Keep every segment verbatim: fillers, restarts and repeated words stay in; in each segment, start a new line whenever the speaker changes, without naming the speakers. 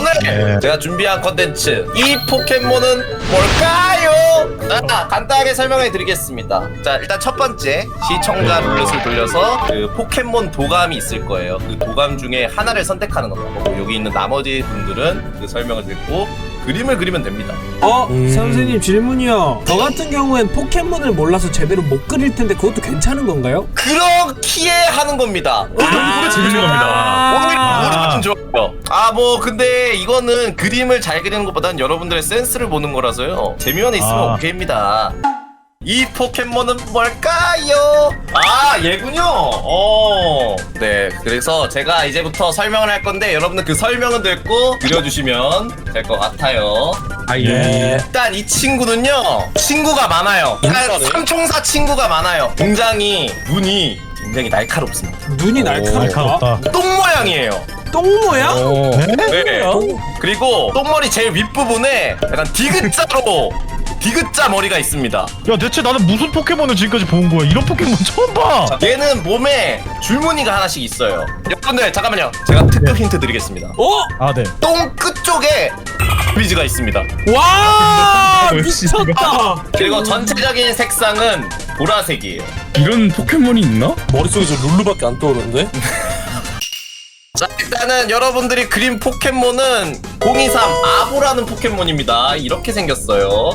오늘
네.
제가 준비한 컨텐츠 이 포켓몬은 뭘까요? 자, 간단하게 설명해 드리겠습니다. 자, 일단 첫 번째 시청자 룰렛을 돌려서 그 포켓몬 도감이 있을 거예요. 그 도감 중에 하나를 선택하는 거고, 여기 있는 나머지 분들은 그 설명을 듣고 그림을 그리면 됩니다.
어?
음.
선생님 질문이요. 저 같은 경우엔 포켓몬을 몰라서 제대로 못 그릴 텐데 그것도 괜찮은 건가요?
그렇기에 하는 겁니다.
그게 재밌는 겁니다.
오늘
아,
모르면 좋아요. 아, 뭐 근데 이거는 그림을 잘 그리는 것보다는 여러분들의 센스를 보는 거라서요. 재미만 있으면
아.
오케이입니다. 이 포켓몬은 뭘까요? 아, 얘군요. 어. 네, 그래서 제가 이제부터 설명을 할 건데 여러분들 그 설명을 듣고 그려주시면 될 것 같아요.
아,
예.
일단 이 친구는요, 친구가 많아요. 일단 삼총사 친구가 많아요. 굉장히 눈이 굉장히 날카롭습니다.
눈이 날카롭다.
날카롭다.
똥 모양이에요.
똥 모양?
네. 그리고 똥머리 제일 윗부분에 약간 디귿자로 디귿자 머리가 있습니다.
야, 대체 나는 무슨 포켓몬을 지금까지 본 거야? 이런 포켓몬 처음 봐.
얘는 몸에 줄무늬가 하나씩 있어요. 여러분들 잠깐만요. 제가 특급 힌트 드리겠습니다.
어?
아, 네.
똥 끝쪽에 비즈가 있습니다.
와
역시
미쳤다.
그리고 전체적인 색상은 보라색이에요.
이런 포켓몬이 있나?
머릿속에서 룰루밖에 안 떠오르는데?
자, 일단은 여러분들이 그린 포켓몬은 공이삼 아보라는 포켓몬입니다. 이렇게 생겼어요.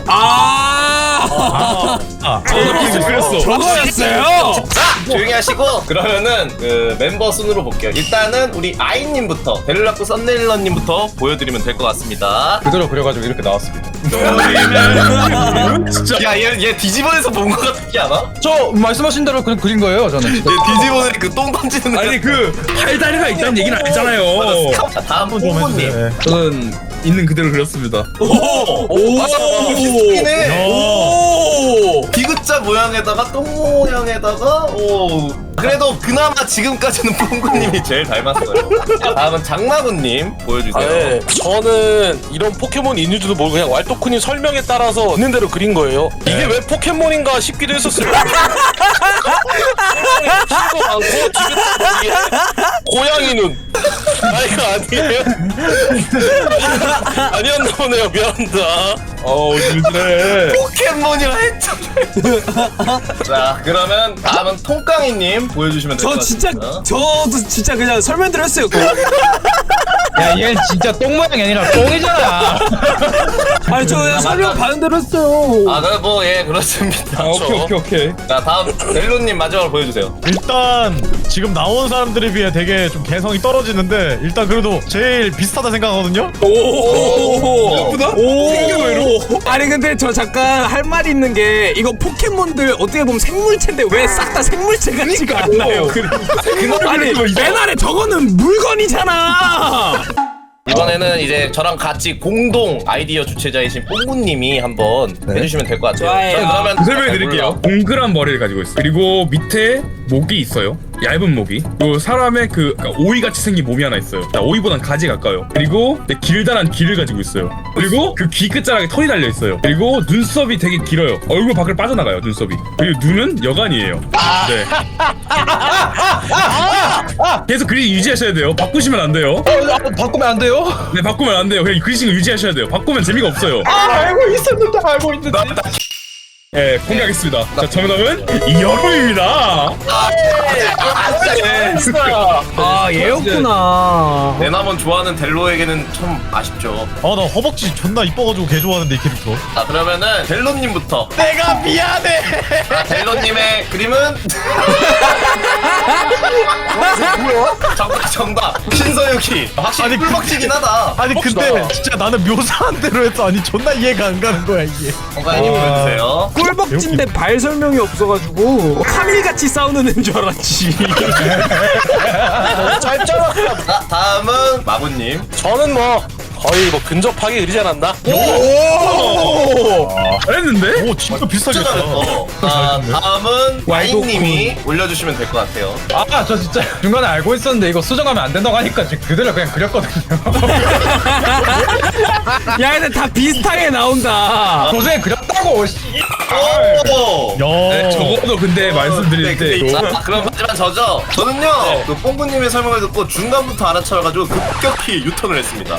아,
아,
이렇게 그렸어.
저거였어요.
자, 조용히 하시고 그러면은 그 멤버 순으로 볼게요. 일단은 우리 아이님부터, 벨라쿠 썬네일러님부터 보여드리면 될 것 같습니다.
그대로 그려가지고 이렇게 나왔습니다.
진짜.
야, 얘, 얘 디지몬에서 본 것 같지 않아?
저 말씀하신 대로 그냥 그린 거예요, 저는.
얘 디지몬에 그 똥 던지는
아니 그 팔다리가 있다는 얘기는 아니잖아요.
자, 다음
한번 좀
뽕보님.
해주세요.
저는 있는 그대로 그렸습니다.
오!
오,
맞아, 비슷하네.
오,
디귿자 모양에다가 똥 모양에다가 오. 그래도 그나마 지금까지는 뽕구님이 제일 닮았어요. 자, 다음은 장마구님 보여주세요.
아, 네. 저는 이런 포켓몬이 있는지도 모르고 그냥 왈도쿠님 설명에 따라서 있는 대로 그린 거예요. 이게 왜 포켓몬인가 싶기도 했었어요. 키가 많고 디귿자 머리에 고양이 눈. 아이가 아니에요? 아니었나 보네요. 미안합니다.
어우 힘드네.
포켓몬이라 했잖아요. 자, 그러면 다음은 통깡이님 보여주시면 될 것
저 진짜
같습니다.
저도 진짜 그냥 설명드렸어요.
야, 얘 진짜 똥 모양이 아니라 똥이잖아.
아니 저 그냥 설명 받은 대로 했어요.
아, 그 뭐 예, 그렇습니다.
아, 오케이 오케이 오케이.
자, 다음 델로님 마지막으로 보여주세요.
일단 지금 나온 사람들에 비해 되게 좀 개성이 떨어지는데 일단 그래도 제일 비슷하다 생각하거든요.
오,
예쁘다?
오, 아니 근데 저 잠깐 할 말이 있는 게 이거 포켓몬들 어떻게 보면 생물체인데 왜 싹 다 생물체 같지가 않나요? 아니 맨 아래 저거는 물건이잖아.
이번에는 이제 저랑 같이 공동 아이디어 주최자이신 뽕구님이 한번 해주시면 될 것 같아요.
좋아요.
자, 그러면
그 설명해 드릴게요. 동그란 머리를 가지고 있어. 그리고 밑에 목이 있어요. 얇은 목이. 그리고 사람의 그 그러니까 오이같이 생긴 몸이 하나 있어요. 자, 오이보단 가지 가까워요. 그리고 네, 길다란 귀를 가지고 있어요. 그리고 그 귀 끝자락에 털이 달려 있어요. 그리고 눈썹이 되게 길어요. 얼굴 밖을 빠져나가요. 눈썹이. 그리고 눈은 여간이에요. 네. 계속 그림 유지하셔야 돼요. 바꾸시면 안 돼요.
바꾸면 안 돼요?
네, 바꾸면 안 돼요. 그냥 그리신 거 유지하셔야 돼요. 바꾸면 재미가 없어요.
아, 알고 있었는데, 알고 있는데.
네, 공개하겠습니다. 자, 정답은 여름입니다.
아 얘였구나.
내나몬 좋아하는 델로에게는 참 아쉽죠.
아, 나 허벅지 존나 이뻐가지고 개 좋아하는데 이 캐릭터.
자, 그러면은 델로님부터.
내가 미안해.
자, 델로님의 그림은 뭐야? 정답, 정답. 신서유기. 확실히
아니,
꿀벅지긴 하다.
아니 근데 진짜 나는 묘사한 대로 했어. 아니 존나 이해가 안 가는 거야 이게.
건강님 보여주세요.
꿀벅진데 발 설명이 없어가지고 카밀같이 싸우는 애인 줄 알았지.
짧잖아.
자, 다음은 마구님.
저는 뭐 거의 뭐 근접하게 그리지 않았나?
잘했는데?
오 진짜 비슷하게
진짜
했어.
잘했어. 자, 다음은
와이도쿤.
와이님이 올려주시면 될 것 같아요.
아, 저 진짜 중간에 알고 있었는데 이거 수정하면 안 된다고 하니까 지금 그대로 그냥 그렸거든요.
야 근데 다 비슷하게 나온다.
도중에 그렸다고, 씨.
오!
야.
네, 적어도 근데 말씀드릴 때 이거
자, 그럼 하지만 저죠. 저는요, 그 뽕구님의 설명을 듣고 중간부터 알아차려가지고 급격히 유턴을 했습니다.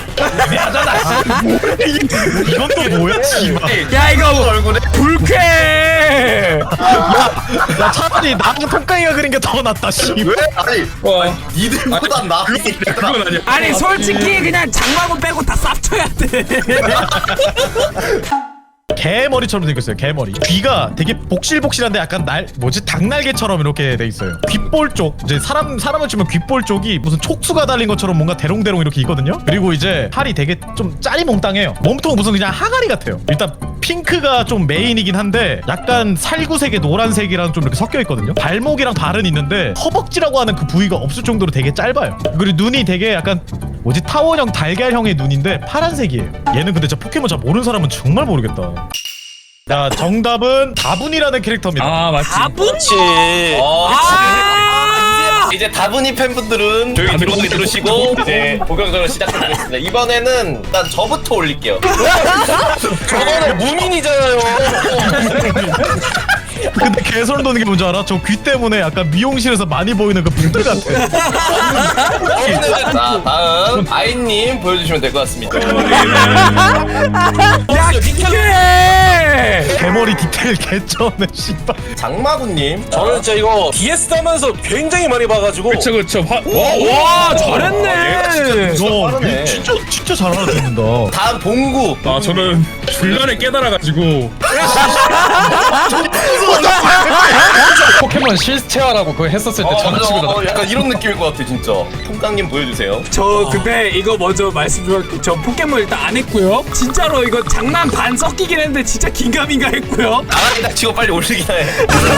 이건 또 뭐야? 씨발.
야 이거
얼굴에
불쾌.
야 차라리 나랑 통깡이가 그린 게 더 낫다. 씨.
왜? 아니,
와.
아니 니들보다 나.
그건 아니야.
아니 솔직히 그냥 장마구 빼고 다 쌉쳐야 돼.
개머리처럼 생겼어요. 개머리. 귀가 되게 복실복실한데 약간 날 뭐지 닭날개처럼 이렇게 돼 있어요. 귓볼 쪽 이제 사람 사람을 치면 귓볼 쪽이 무슨 촉수가 달린 것처럼 뭔가 대롱대롱 이렇게 있거든요. 그리고 이제 팔이 되게 좀 짜리몽땅해요. 몸통은 무슨 그냥 항아리 같아요. 일단 핑크가 좀 메인이긴 한데 약간 살구색에 노란색이랑 좀 이렇게 섞여 있거든요. 발목이랑 발은 있는데 허벅지라고 하는 그 부위가 없을 정도로 되게 짧아요. 그리고 눈이 되게 약간 뭐지 타원형 달걀형의 눈인데 파란색이에요. 얘는 근데 진짜 포켓몬 잘 모르는 사람은 정말 모르겠다. 자 정답은 다분이라는 캐릭터입니다.
아 맞지.
다분치.
어,
아.
이제 다분히 팬분들은 조용히 들어오게 들으시고 이제 본격적으로 시작해보겠습니다. 이번에는 일단 저부터 올릴게요.
저거는 무민이잖아요.
근데 개소름 돋는 게 뭔지 알아? 저 귀 때문에 약간 미용실에서 많이 보이는 그 푸들 같아.
자 다음 아이님 보여주시면 될 것 같습니다.
야 기계.
개머리 디테일 개쩌네 씨발.
장마구님.
저는 진짜 이거 디에스 하면서 굉장히 많이 봐가지고
그쵸 그쵸. 화,
와 잘했네.
너
빠르네.
진짜 진짜 잘 알아듣는다.
다음 봉구.
아 저는 중간에 깨달아가지고
포켓몬 실체화라고 그거 했었을 때
어,
저는
맞아.
치고
어, 약간 이런 느낌일 것 같아 진짜. 통깡님 보여주세요.
저 근데 이거 먼저 말씀드릴게요. 저 포켓몬 일단 안 했고요. 진짜로 이거 장난 반 섞이긴 했는데 진짜 긴가민가 했고요.
나가기 치고 빨리 올리기나 해.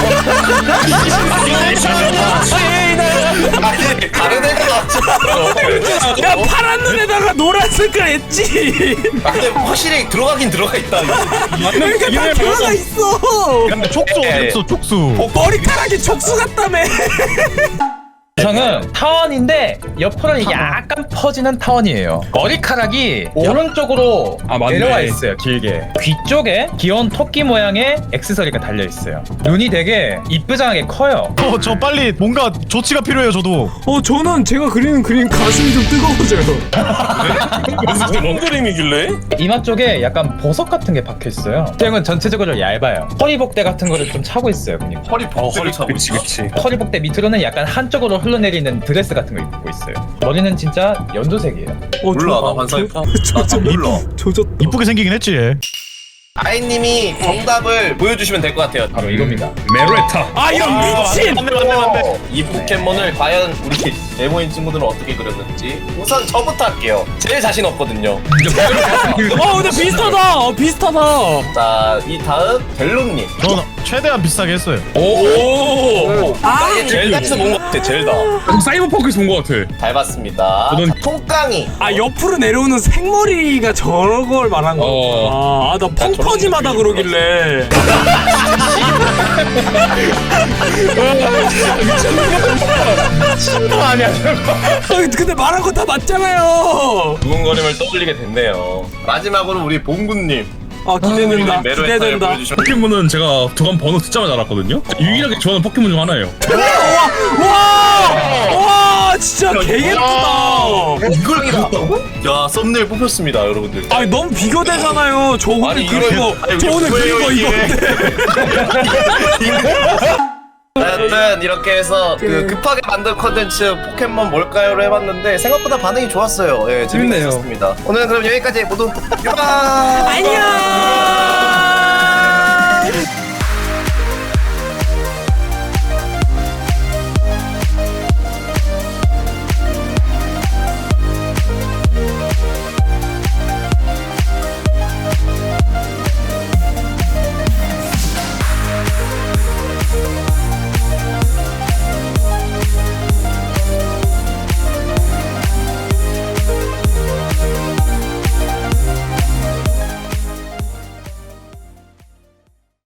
아니 다른 애가 낫잖아.
야 파란 눈에다가 노란 색깔 했지.
아, 근데 확실히 들어가긴 들어가 있다.
그러니까 다 들어가 있어.
근데 촉수 어디 있어 촉수.
머리카락이 촉수 같다며.
저는 타원인데 옆으로 이게 약간 퍼지는 타원이에요. 머리카락이 오른쪽으로
아, 맞네.
내려와 있어요. 길게. 귀 쪽에 귀여운 토끼 모양의 액세서리가 달려 있어요. 눈이 되게 이쁘장하게 커요.
어, 저 빨리 뭔가 조치가 필요해요 저도.
어 저는 제가 그리는 그림 가슴이 좀 뜨거워져요.
무슨 그림이길래?
이마 쪽에 약간 보석 같은 게 박혀 있어요. 땡은 전체적으로 얇아요. 허리복대 같은 거를 좀 차고 있어요. 그냥.
허리 복대를 차고
그치
있어.
그치.
허리복대 밑으로는 약간 한쪽으로 흘러내리는 드레스 같은 거 입고 있어요. 머리는 진짜 연두색이에요.
어,
몰라 나 환상했다. 나좀 몰라.
조졌다.
이쁘게 생기긴 했지 얘.
아이님이 정답을 보여주시면 될 것 같아요.
바로 이겁니다.
메로에타.
아 이런 미친.
맞네 맞네 맞네.
이 포켓몬을 과연 우리 네모인 친구들은 어떻게 그렸는지 우선 저부터 할게요. 제일 자신 없거든요.
어 근데 비슷하다. 어 비슷하다.
자, 이 다음 델로님.
저는 최대한 비슷하게 했어요.
오.
아,
이게 젤다에서 본 것 같아. 젤다.
사이버펑크에서 본 것 같아.
잘 봤습니다.
저는-
통깡이.
아 옆으로 내려오는 생머리가 저걸 말한 거구나. 아나 펑퍼짐하다 그러길래.
친구 아니야 저거.
아, 근데 말한 거 다 맞잖아요.
두근거림을 떠올리게 됐네요. 마지막으로 우리 봉구님.
아 기대된다.
메로에타를
기대된다.
보여주시면
포켓몬은 제가 두간 번호 듣자마자 알았거든요. 유일하게 좋아하는 포켓몬 중 하나예요.
와, 와, 진짜 개 예쁘다.
이걸 그렸다고? 야, 썸네일 뽑혔습니다, 여러분들.
아니 너무 비교되잖아요. 저 오늘
아니,
그린
이거-
거,
아니,
저 오늘
왜요,
그린 거
이게?
이건데.
하여튼 이렇게 해서 그 급하게 만든 컨텐츠 포켓몬 뭘까요를 해봤는데 생각보다 반응이 좋았어요. 예, 재밌네요. 오늘은 그럼 여기까지 모두 유바.
안녕.